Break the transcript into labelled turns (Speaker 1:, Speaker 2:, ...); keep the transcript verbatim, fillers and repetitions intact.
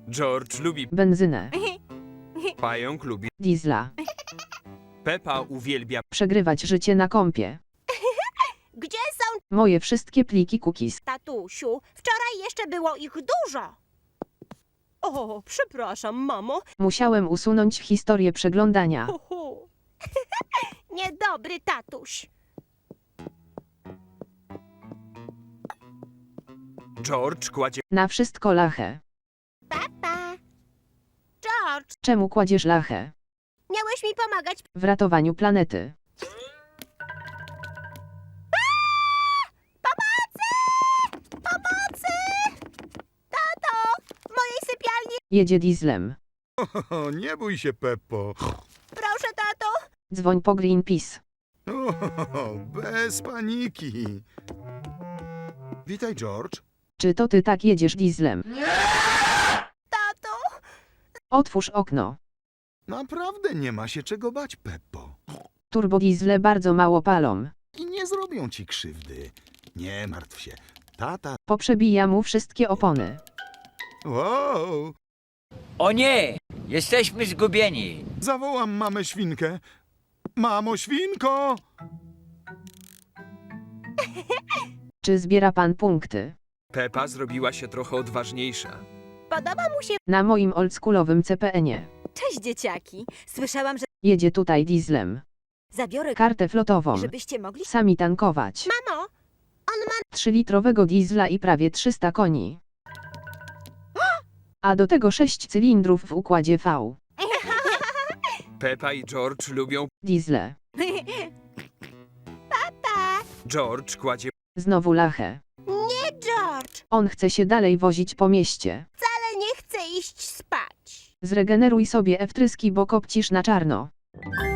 Speaker 1: George lubi
Speaker 2: benzynę,
Speaker 1: pająk, lubi
Speaker 2: diesla,
Speaker 1: Pepa uwielbia
Speaker 2: przegrywać życie na kompie.
Speaker 3: Gdzie są,
Speaker 2: Moje wszystkie pliki cookies.
Speaker 3: tatusiu? Wczoraj jeszcze było ich dużo.
Speaker 4: O, przepraszam, mamo.
Speaker 2: Musiałem usunąć historię przeglądania.
Speaker 4: Hu, hu.
Speaker 3: Niedobry tatuś.
Speaker 1: George kładzie
Speaker 2: Na wszystko lachę.
Speaker 3: Papa. George,
Speaker 2: Czemu kładziesz lachę?
Speaker 3: miałeś mi pomagać.
Speaker 2: W ratowaniu planety.
Speaker 3: Pomocy! Tato, w mojej sypialni.
Speaker 2: Jedzie dieslem.
Speaker 5: O, nie bój się, Peppo.
Speaker 3: Proszę, tato.
Speaker 2: Dzwoń po Greenpeace.
Speaker 5: O, bez paniki. Witaj, George.
Speaker 2: Czy to ty tak jedziesz dieslem?
Speaker 3: Tato.
Speaker 2: Otwórz okno.
Speaker 5: Naprawdę nie ma się czego bać, Peppo.
Speaker 2: Turbodiesle bardzo mało palą.
Speaker 5: I nie zrobią ci krzywdy. Nie martw się. Tata...
Speaker 2: Poprzebija mu wszystkie opony.
Speaker 5: Wow!
Speaker 6: O nie! Jesteśmy zgubieni!
Speaker 5: Zawołam mamę świnkę. Mamo świnko!
Speaker 2: Czy zbiera pan punkty?
Speaker 1: Pepa zrobiła się trochę odważniejsza.
Speaker 3: Podoba mu się.
Speaker 2: Na moim oldschoolowym C P N-ie.
Speaker 4: Cześć, dzieciaki. Słyszałam, że
Speaker 2: Jedzie tutaj dieslem.
Speaker 4: zabiorę,
Speaker 2: Kartę flotową.
Speaker 4: żebyście mogli...
Speaker 2: Sami tankować.
Speaker 3: Mamo, on ma.
Speaker 2: trzylitrowego diesla i prawie trzysta koni. A do tego sześć cylindrów w układzie V.
Speaker 1: Pepa i George lubią.
Speaker 2: Diesle.
Speaker 3: Tata.
Speaker 1: George kładzie
Speaker 2: Znowu lachę.
Speaker 3: Nie, George.
Speaker 2: On chce się dalej wozić po mieście.
Speaker 3: Ale nie chcę iść spać.
Speaker 2: Zregeneruj sobie F-tryski, bo kopcisz na czarno.